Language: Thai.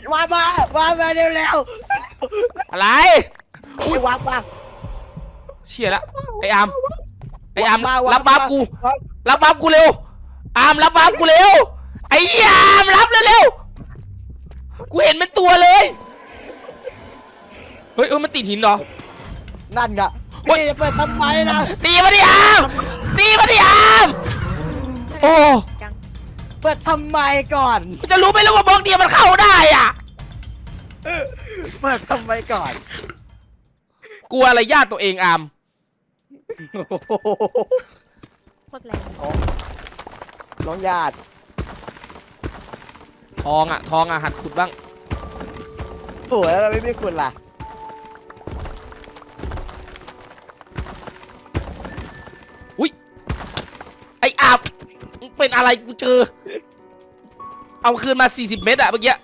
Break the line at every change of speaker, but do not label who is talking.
มาเร็ว
อะไร
อุ้ยวาง
เชี่ยละไออาร์มรับบัฟกูเร็วอาร์มรับบัฟกูเร็วไอ้อาร์มรับเร็วกูเห็นเป็นตัวเลยเฮ้ยมันติดหินเหรอ
นั่นไงพี่จะเปิดทำไมนะ
ตีมาดิอาร์มโอ้
เปิดทำไมก่อน
กูจะรู้ไหมล่ะว่าบล็อกเดียวมันเข้าได้อ่ะ
เปิดทำไมก่อน
กลัวอะไรญาติตัวเองอาร์ม
โคตรแรง
น้องญาติ
ทองอ่ะหัดขุดบ้าง
สวยแล้วไม่คุณล่ะ
อุ้ยไออาร์มเป็นอะไรกูเจอเอาคืนมา40 เม็ดอะเมื่อกี้